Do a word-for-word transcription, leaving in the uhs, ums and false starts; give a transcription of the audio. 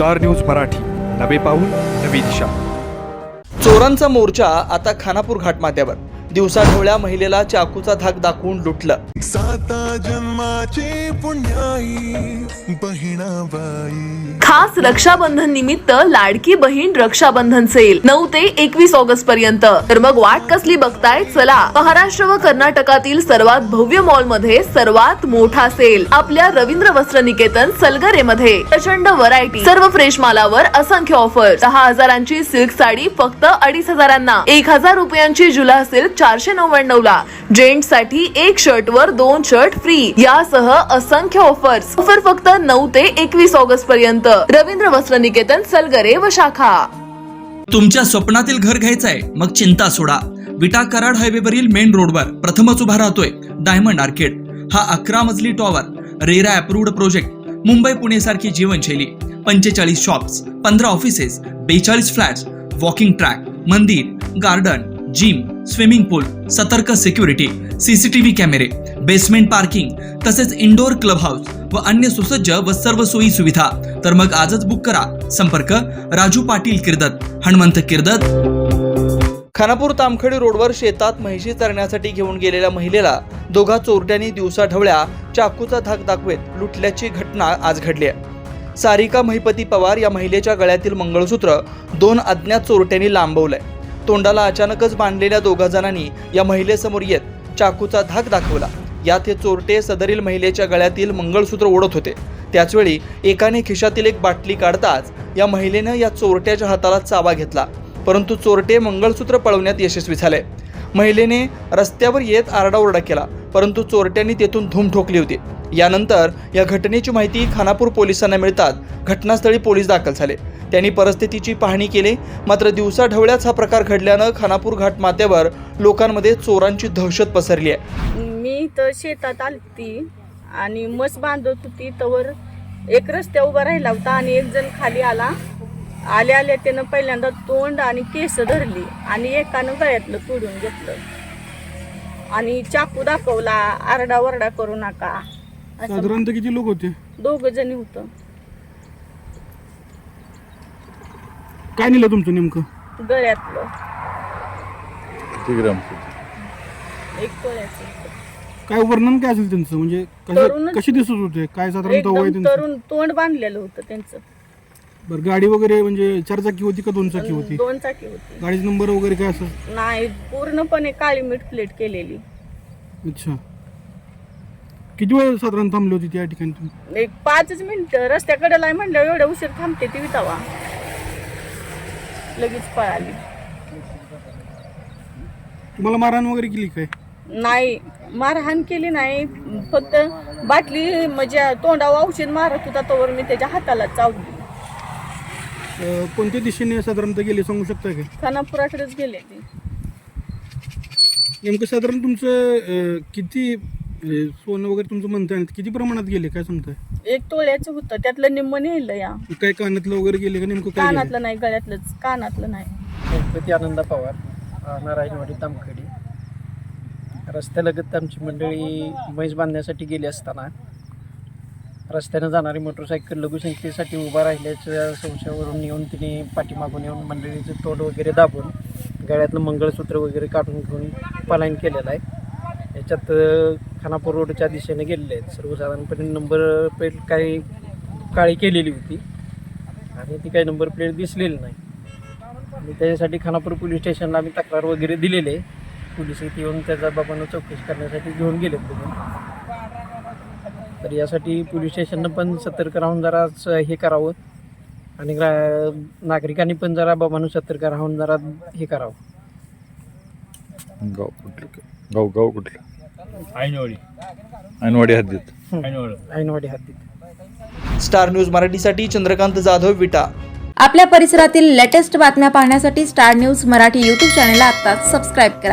Star news Marathi, नवे पाऊल नवी दिशा। चोरांचा मोर्चा आता खानापूर घाटमाथ्यावर। दिवसाढवळ्या महिलेला चाकूचा धाक दाखवून लुटलं। साता जन्माचे पुण्याई बहिणाबाई। खास रक्षाबंधन निमित्त लाडकी बहीण रक्षाबंधन सेल नऊ ते एकवीस ऑगस्ट पर्यंत। तर मग वाट कसली बघताय, चला महाराष्ट्र व कर्नाटकातील सर्वात भव्य मॉल मध्ये सर्वात मोठा सेल आपल्या रवींद्र वस्त्र निकेतन सलगरे मध्ये। प्रचंड व्हरायटी, सर्व फ्रेश मालावर असंख्य ऑफर। दहा हजारांची सिल्क साडी फक्त अडीच हजारांना, एक हजार रुपयांची जुला सिल्क चारशे नव्याण्णव ला, जेंट्स साठी एक शर्ट वर दोन शर्ट फ्री यासह असंख्य ऑफर्स। ऑफर फक्त नऊ ते एकवीस ऑगस्ट पर्यंत। रवींद्र वस्त्र निकेतन सलगरे व शाखा। तुमच्या स्वप्नातील घर घ्यायचंय मग चिंता सोडा। विटा कराड हायवेवरील मेन रोडवर प्रथमच उभा राहतोय डायमंड आर्केड। हा अकरा मजली tower, RERA approved project. Mumbai Pune सारखी जीवनशैली, पंचेचाळीस शॉप्स, पंधरा ऑफिसेस, बेचाळीस फ्लॅट्स, वॉकिंग ट्रॅक, मंदिर, गार्डन, जिम, स्विमिंग पूल, सतर्क सिक्युरिटी, सीसीटीव्ही कॅमेरे, बेसमेंट पार्किंग तसेच इंडोर क्लब हाऊस व अन्य सुसज्ज व सर्व सोयी सुविधा। तर मग आजच बुक करा। संपर्क राजू पाटील किर्दत, हनुमंत किर्दत। खानापूर तामखडी रोडवर शेतात म्हैशी चरण्यासाठी घेऊन गेलेल्या महिलेला दोघा चोरट्यांनी दिवसाढवळ्या चाकूचा धाक दाखवत लुटल्याची घटना आज घडली आहे। सारिका महिपती पवार या महिलेच्या गळ्यातील मंगळसूत्र दोन अज्ञात चोरट्यांनी लांबवलंय। तोंडाला अचानकच बांधलेल्या दोघा जणांनी या महिलेसमोर येत चाकूचा धाक दाखवला। यात हे चोरटे सदरील महिलेच्या गळ्यातील मंगळसूत्र ओढत होते। त्याचवेळी एकाने खिशातील एक बाटली काढताच या महिलेनं या चोरट्याच्या हाताला चावा घेतला, परंतु चोरटे मंगळसूत्र पळवण्यात यशस्वी झाले। महिलेने रस्त्यावर येत आरडाओरडा केला, परंतु चोरट्यांनी तेथून धूम ठोकली होती। यानंतर या घटनेची माहिती खानापूर पोलिसांना मिळताच घटनास्थळी पोलीस दाखल झाले। त्यांनी परिस्थितीची पाहणी केली, मात्र दिवसाढवळ्याच हा प्रकार घडल्यानं खानापूर घाटमाथ्यावर लोकांमध्ये चोरांची दहशत पसरली आहे। मी तर शेतात आलती आणि मस बांधत होती, तवर एक रस्त्या उभा राहिला होता आणि एक जण खाली आला। आल्या आल्या त्यानं पहिल्यांदा तोंड आणि केस धरली आणि एकानं गळ्यातलं तोडून घेतलं आणि चाकू दाखवला, आरडा वरडा करू नका। साधारणतः किती लोक होते? दोघ जणी होतं। काय नेलं तुमचं नेमकं? गळ्यातलं किती ग्राम? एक तोळ्याचं। काय वर्णन काय असेल त्यांचं, म्हणजे कसे कशी दिसत होते, काय साधारणतः वय एकदम त्यांचं? तरुण, तोंड बांधलेलं होतं त्यांचं। बरं, गाडी वगैरे म्हणजे चार चाकी होती का दोन चाकी होती? दोन चाकी होती। गाडीचा नंबर वगैरे काय असं? नाही, पूर्णपणे काळी मीठ प्लेट केलेली। अच्छा, किती वेळ साधारण थांबली होती त्या ठिकाणी तुम्ही? एक पाचच मिनिटं। रस्त्याकडे आहे म्हणल्यावर एवढ्या उशीर थांबते ती वितावा, लगेच पळाली। तुम्हाला मारहाण वगैरे केली काय? नाही, मारहाण केली नाही, फक्त बाटली म्हणजे तोंडावर औषध मारत होता तोवर मी त्याच्या हाताला चावली। अं, कोणत्या दिशेने साधारणतः गेले सांगू शकता का? खानापुराकडेच गेले ते। नेमकं साधारण तुमचं अं, किती अं, सोनं वगैरे तुमचं म्हणताय, किती प्रमाणात गेले काय सांगताय? एक तोळ्याचं होतं, त्यातलं निम्म नेलं या। काय कानातलं वगैरे गेले का नेमकं काय? कानातलं नाही, गळ्यातलंच, कानातलं नाही। गणपती आनंदा पवार, नारायणवाडी तामखडी। रस्त्यालगत आमची मंडळी म्हैस बांधण्यासाठी गेली असताना रस्त्यानं जाणारी मोटरसायकल लघुसंख्येसाठी उभा राहिल्याच्या संशयावरून येऊन तिने पाठीमागून येऊन मंडळीचं तोंड वगैरे दाबून गळ्यातलं मंगळसूत्र वगैरे काढून घेऊन पलायन केलेलं आहे। याच्यात खानापूर रोडच्या दिशेने गेलेले आहेत। सर्वसाधारणपणे नंबर प्लेट काही काळी केलेली होती आणि ती काही नंबर प्लेट दिसलेली नाही आणि त्याच्यासाठी खानापूर पोलीस स्टेशनला आम्ही तक्रार वगैरे दिलेली आहे। पोलीस इथे येऊन त्याचा बाबांना चौकशी करण्यासाठी घेऊन गेले बघून। तर यासाठी पोलीस स्टेशननं पण सतर्क राहून जरा हे करावं आणि नागरिकांनी पण जरा बाबांना सतर्क राहून जरा हे करावं। गाव कुठलं? गाव गाव कुठलं? ऐनवाडी ऐनवाडी हद्दीत। ऐनवाडी हद्दीत। स्टार न्यूज मराठीसाठी चंद्रकांत जाधव, विटा। आपल्या परिसरातील लेटेस्ट बातम्या पाहण्यासाठी स्टार न्यूज मराठी यूट्यूब चॅनलला आत्ताच सबस्क्राईब करा।